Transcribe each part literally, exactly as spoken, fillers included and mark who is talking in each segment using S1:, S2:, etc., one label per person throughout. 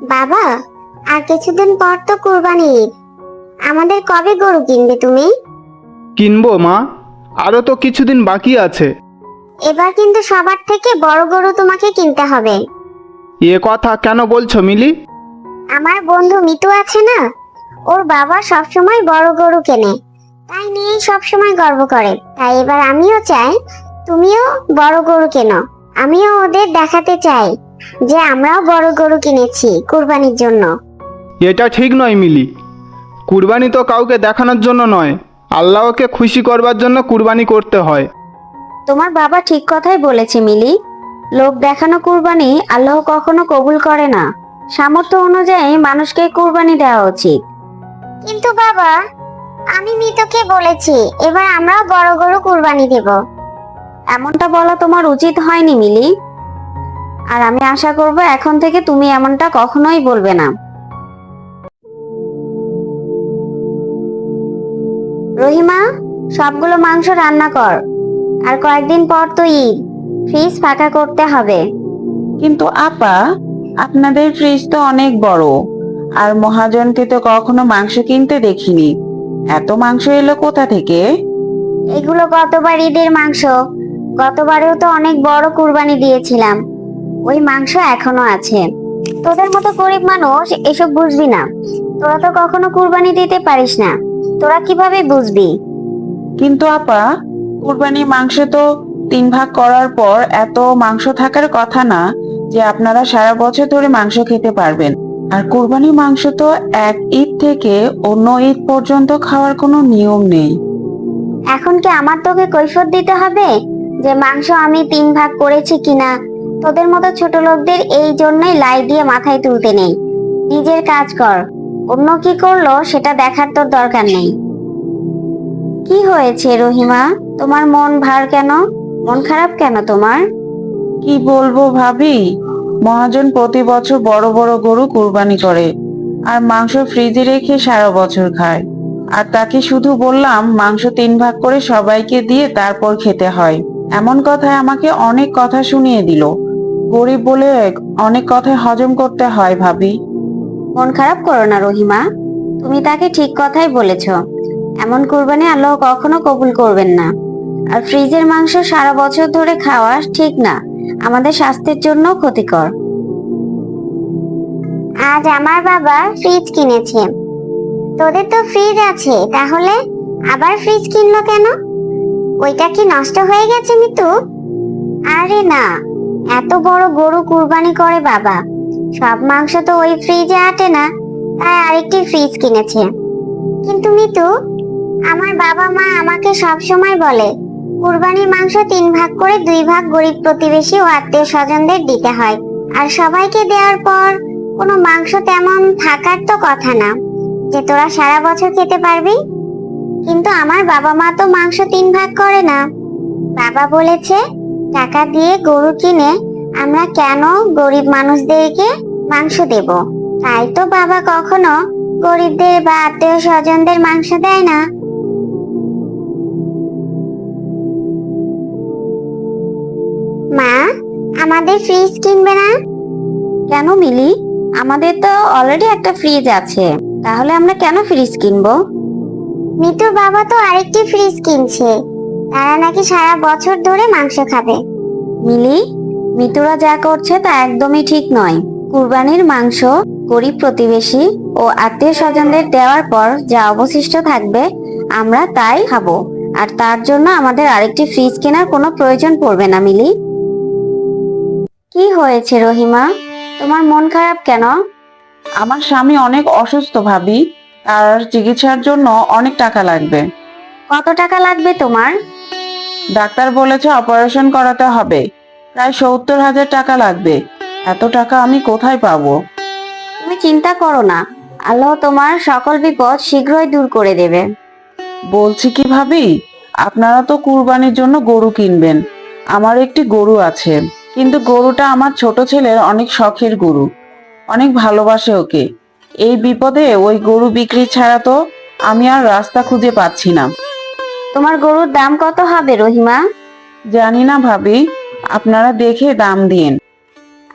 S1: বাবা, আর কিছুদিন পর তো কুরবানি ঈদ। আমাদের কবে গরু কিনবে তুমি?
S2: কিনবো মা, আরো তো কিছুদিন বাকি আছে।
S1: এবার কিন্তু সবার থেকে বড় গরু তোমাকে কিনতে হবে।
S2: এ কথা কেন বলছো মিলি?
S1: আমার বন্ধু মিতু আছে না, ওর বাবা সবসময় বড় গরু কেনে, তাই নিয়েই সবসময় গর্ব করে। তাই এবার আমিও চাই তুমিও বড় গরু কেনো। আমিও ওদের দেখাতে চাই যে আমরাও বড় গরু কিনেছি কুরবানির জন্য।
S2: এটা ঠিক নয় মিলি, কুরবানি তো কাউকে দেখানোর জন্য নয়, আল্লাহকে খুশি করবার জন্য কুরবানি করতে হয়।
S3: তোমার বাবা ঠিক কথাই বলেছে মিলি। লোক দেখানো কুরবানি আল্লাহ কখনো কবুল করে না। সামর্থ্য অনুযায়ী মানুষকে কুরবানি দেওয়া উচিত।
S1: কিন্তু বাবা, আমি মিতুকে বলেছি এবার আমরাও বড় গরু কুরবানি দেব।
S3: এমনটা বলা তোমার উচিত হয়নি মিলি। আর আমি আশা করব এখন থেকে তুমি এমনটা কখনোই বলবে না। রহিমা, সবগুলো মাংস রান্না কর। আর কয়েকদিন পর তো ঈদ, ফ্রিজ ফাঁকা করতে হবে।
S4: কিন্তু আপা, আপনাদের ফ্রিজ তো অনেক বড়, আর মহাজনকে তো কখনো মাংস কিনতে দেখিনি। এত মাংস এলো কোথা থেকে?
S1: এগুলো গতবার ঈদের মাংস। গতবারেও তো অনেক বড় কুরবানি দিয়েছিলাম, ওই মাংস এখনো আছে। তোদের মতো গরিব মানুষ এসব বুঝবি না। তোরা তো কখনো কুরবানি দিতে পারিস না, তোরা কিভাবে বুঝবি?
S4: কিন্তু আপা, কুরবানির মাংস তো তিন ভাগ করার পর এত মাংস থাকার কথা না যে আপনারা সারা বছর ধরে মাংস খেতে পারবেন। আর কুরবানির মাংস তো এক ঈদ থেকে অন্য ঈদ পর্যন্ত খাওয়ার কোনো নিয়ম নেই।
S1: এখন কি আমার তোকে কৈফিয়ত দিতে হবে যে মাংস আমি তিন ভাগ করেছি কিনা? তোদের মতো ছোট লোকদের এই জন্যই লাই দিয়ে মাথায় তুলতে নেই। নিজের কাজ কর, অন্য কি করলো সেটা দেখার তোর দরকার নেই।
S3: কি হয়েছে রহিমা, তোমার মন ভার কেন? মন খারাপ কেন তোমার?
S4: কি বলবো ভাবি, মহাজন প্রতি বছর বড় বড় গরু কুরবানি করে আর মাংস ফ্রিজে রেখে সারা বছর খায়। আর তাকে শুধু বললাম মাংস তিন ভাগ করে সবাইকে দিয়ে তারপর খেতে হয়। এমন কথায় আমাকে অনেক কথা শুনিয়ে দিল। গরিব বলে অনেক কথাই হজম করতে হয় ভাবি।
S3: মন খারাপ করো না রহিমা, তুমি তাকে ঠিক কথাই বলেছ। এমন কুরবানি আল্লাহ কখনো কবুল করবেন না। আর ফ্রিজের মাংস সারা বছর ধরে খাওয়া ঠিক না, আমাদের স্বাস্থ্যের জন্য ক্ষতিকর।
S1: আজ আমার বাবা ফ্রিজ কিনেছে। তোদের তো ফ্রিজ আছে, তাহলে আবার ফ্রিজ কিনলো কেন? ওইটা কি নষ্ট হয়ে গেছে মিতু? আরে না, এত বড় গরু কুরবানি করে বাবা, সব মাংস তো ওই ফ্রিজে আটে না, তাই আরেকটি ফ্রিজ কিনেছে। কিন্তু মিতু, আমার বাবা মা আমাকে সব সময় বলে কুরবানির মাংস তিন ভাগ করে দুই ভাগ গরিব প্রতিবেশী ও আত্মীয় স্বজনদের দিতে হয়। আর সবাইকে দেওয়ার পর কোনো মাংস তেমন থাকার তো কথা না যে তোরা সারা বছর খেতে পারবি। কিন্তু আমার বাবা মা তো মাংস তিন ভাগ করে না। বাবা বলেছে টাকা দিয়ে গরু কিনে আমরা কেন গরিব মানুষদেরকে মাংস দেব। তাই তো বাবা কখনো গরিবদের বা আত্মীয় স্বজনদের মাংস দেয় না। মা, আমাদের ফ্রিজ কিনবে না?
S3: কেন মিলি, আমাদের তো অলরেডি একটা ফ্রিজ আছে, তাহলে আমরা কেন ফ্রিজ কিনবো?
S1: মিতুর বাবা তো আরেকটি ফ্রিজ কিনছে, তারা নাকি সারা বছর ধরে মাংস খাবে।
S3: মিলি, মিতুরা যা করছে তা একদমই ঠিক নয়। কুরবানির মাংস গরিব প্রতিবেশী ও আত্মীয় স্বজনদের দেওয়ার পর যা অবশিষ্ট থাকবে আমরা তাই খাবো। আর তার জন্য আমাদের আরেকটি ফ্রিজ কেনার কোনো প্রয়োজন পড়বে না। মিলি, কি হয়েছে রহিমা, তোমার মন খারাপ কেন?
S4: আমার স্বামী অনেক অসুস্থ ভাবি, তার চিকিৎসার জন্য অনেক টাকা লাগবে।
S3: কত টাকা লাগবে তোমার?
S4: ডাক্তার বলেছে অপারেশন করাতে হবে, প্রায় সত্তর হাজার টাকা লাগবে। এত টাকা আমি কোথায় পাবো?
S3: তুমি চিন্তা করো না, আল্লাহ তোমার সকল বিপদ শীঘ্রই দূর করে দেবে।
S4: বলছি কি ভাবি, আপনারা তো কুরবানির জন্য গরু কিনবেন। আমার একটি গরু আছে, কিন্তু গরুটা আমার ছোট ছেলের অনেক শখের গরু, অনেক ভালোবাসে ওকে। এই বিপদে ওই গরু বিক্রি ছাড়া তো আমি আর রাস্তা খুঁজে পাচ্ছি না।
S3: তোমার গরুর দাম কত হবে রহিমা?
S4: জানি না ভাবি, আপনারা দেখে দাম দিন।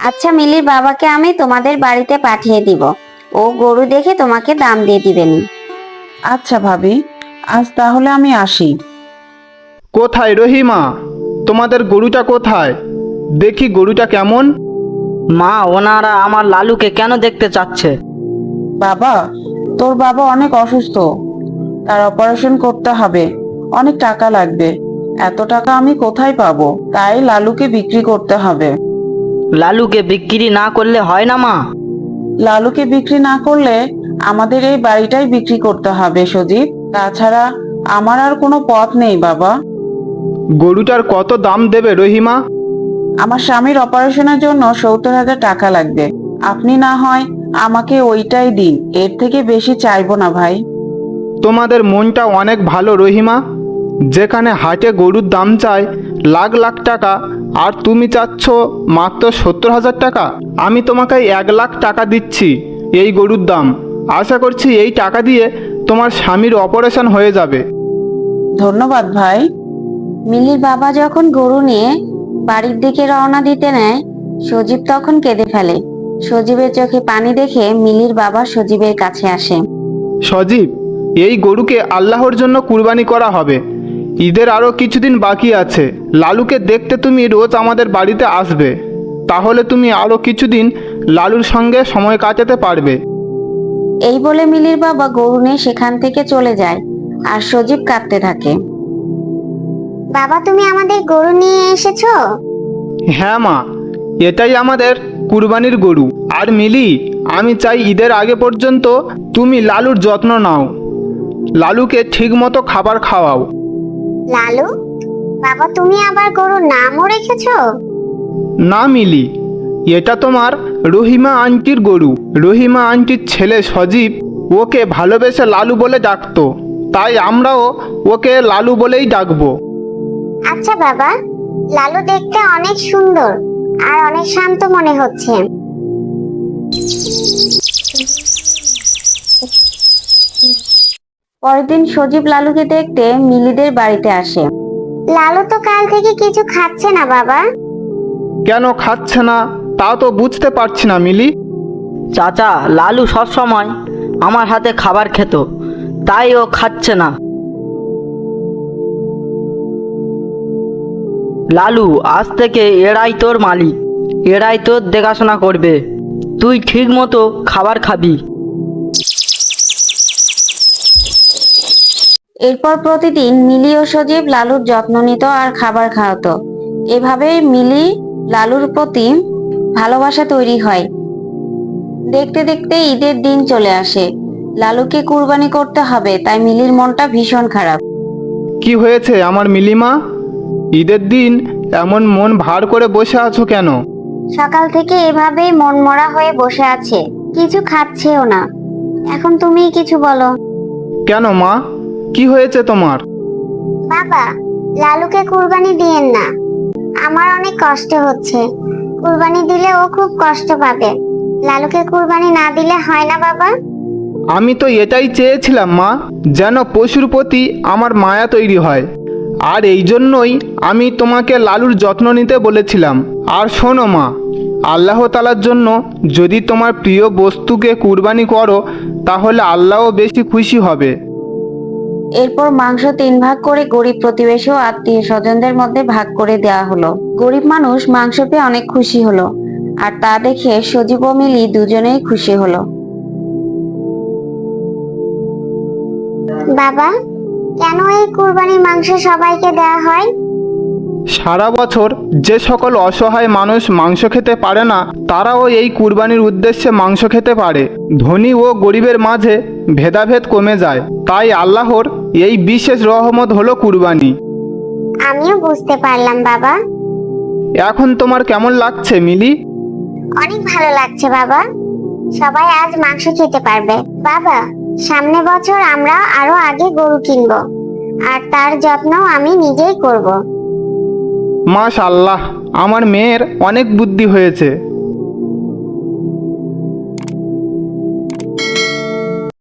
S3: আচ্ছা, মিলির বাবাকে আমি তোমাদের বাড়িতে পাঠিয়ে দিব, ও গরু দেখে তোমাকে দাম দিয়ে দিবেনি।
S4: আচ্ছা ভাবি, আজ তাহলে আমি আসি।
S2: কোথায় রহিমা? তোমাদের গরুটা কোথায়? দেখি গরুটা কেমন।
S5: মা, ওনারা আমার লালুকে কেন দেখতে চাচ্ছে?
S4: বাবা, তোর বাবা অনেক অসুস্থ, তার অপারেশন করতে হবে, অনেক টাকা লাগবে। এত টাকা আমি কোথায় পাবো? তাই লালুকে বিক্রি করতে হবে।
S5: লালুকে বিক্রি না করলে হয় না মা?
S4: লালুকে বিক্রি না করলে আমাদের এই বাড়িটাই বিক্রি করতে হবে সজীব। তাছাড়া আমার আর কোনো পথ নেই বাবা।
S2: গরুটার কত দাম দেবে রহিমা?
S4: আমার স্বামীর অপারেশনের জন্য সত্তর হাজার টাকা লাগবে। আপনি না হয় আমাকে ওইটাই দিন, এর থেকে বেশি চাইবো না ভাই।
S2: তোমাদের মনটা অনেক ভালো রহিমা। যেখানে হাটে গরুর দাম চায় লাখ লাখ টাকা, আর তুমি চাচ্ছ মাত্র সত্তর হাজার টাকা। আমি তোমাকে এক লাখ টাকা দিচ্ছি এই গরুর দাম। আশা করছি এই টাকা দিয়ে তোমার স্বামীর অপারেশন হয়ে যাবে।
S4: ধন্যবাদ ভাই।
S3: মিলির বাবা যখন গরু নিয়ে বাড়ির দিকে রওনা দিতে নেয়, সজীব তখন কেঁদে ফেলে। সজীবের চোখে পানি দেখে মিলির বাবা সজীবের কাছে আসে।
S2: সজীব, এই গরুকে আল্লাহর জন্য কুরবানি করা হবে। ঈদের আরও কিছুদিন বাকি আছে। লালুকে দেখতে তুমি রোজ আমাদের বাড়িতে আসবে, তাহলে তুমি আরও কিছুদিন লালুর সঙ্গে সময় কাটাতে পারবে।
S3: এই বলে মিলির বাবা গরু নিয়ে সেখান থেকে চলে যায়, আর সজীব কাঁদতে থাকে।
S1: বাবা, তুমি আমাদের গরু নিয়ে এসেছো?
S2: হ্যাঁ মা, এটাই আমাদের কুরবানির গরু। আর মিলি, আমি চাই ঈদের আগে পর্যন্ত তুমি লালুর যত্ন নাও, লালুকে ঠিকমতো খাবার খাওয়াও।
S1: লালু? বাবা, তুমি আবার গরুর নামও রেখেছো?
S2: না মিলি, এটা তোমার রহিমা আন্টির গরু। রহিমা আন্টির ছেলে সজীব ওকে ভালোবেসে লালু বলে ডাকতো, তাই আমরাও ওকে লালু বলেই ডাকবো।
S1: আচ্ছা বাবা, লালু দেখতে অনেক সুন্দর আর অনেক শান্ত মনে হচ্ছে।
S3: পরের দিন সজীব লালুকে দেখতে মিলিদের বাড়িতে আসে।
S1: লালু তো কাল থেকে কিছু খাচ্ছে না বাবা।
S2: কেন খাচ্ছে না তা তো বুঝতে পারছি না মিলি।
S5: চাচা, লালু সব সময় আমার হাতে খাবার খেত, তাই ও খাচ্ছে না। লালু, আজ থেকে এরাই তোর মালিক, এরাই তোর দেখাশোনা করবে। তুই ঠিক মতো খাবার খাবি।
S3: এরপর প্রতিদিন মিলি ও সজীব লালুর যত্ন নিত আর খাবার খাওয়াতো। এভাবেই মিলি লালুর প্রতি ভালোবাসা তৈরি হয়। দেখতে দেখতে ঈদের দিন চলে আসে। লালুকে কুরবানি করতে হবে, তাই মিলির মনটা ভীষণ খারাপ।
S2: কি হয়েছে আমার মিলিমা? ঈদের দিন এমন মন ভার করে বসে আছো কেন?
S1: সকাল থেকে এভাবেই মনমরা হয়ে বসে আছে, কিছু খাচ্ছেও না। এখন তুমিই কিছু বলো।
S2: কেন মা, কি হয়েছে তোমার?
S1: বাবা, লালুকে কুরবানি দিয়েন না, আমার অনেক কষ্ট হচ্ছে। কুরবানি দিলে ও খুব কষ্ট পাবে। লালুকে কুরবানি না দিলে হয় না বাবা?
S2: আমি তো এটাই চেয়েছিলাম মা, যেন পশুর প্রতি আমার মায়া তৈরি হয়। আর এই জন্যই আমি তোমাকে লালুর যত্ন নিতে বলেছিলাম। আর শোনো মা, আল্লাহ তাআলার জন্য যদি তোমার প্রিয় বস্তুকে কুরবানি করো, তাহলে আল্লাহও বেশি খুশি হবে।
S3: এরপর মাংস তিন ভাগ করে গরিব প্রতিবেশী ও আত্মীয় স্বজনদের মধ্যে ভাগ করে দেওয়া হলো। গরিব মানুষ মাংস পেয়ে অনেক খুশি হলো, আর তা দেখে সজীব ও মিলি দুজনেই খুশি হলো।
S1: বাবা, কেন এই কুরবানির মাংস সবাইকে দেওয়া হয়?
S2: সারা বছর যে সকল অসহায় মানুষ মাংস খেতে পারে না, তারাও এই কুরবানির উদ্দেশ্যে মাংস খেতে পারে। ধনী ও গরিবের মাঝে ভেদাভেদ কমে যায়। তাই আল্লাহর এই বিশেষ রহমত হলো কুরবানি।
S1: আমিও বুঝতে পারলাম বাবা।
S2: এখন তোমার কেমন লাগছে মিলি?
S1: অনেক ভালো লাগছে বাবা। সবাই আজ মাংস খেতে পারবে। বাবা, সামনে বছর আমরা আরো আগে গরু কিনবো, আর তার যত্ন আমি নিজেই করব।
S2: মাশাআল্লাহ, আমার মেয়ের অনেক বুদ্ধি হয়েছে।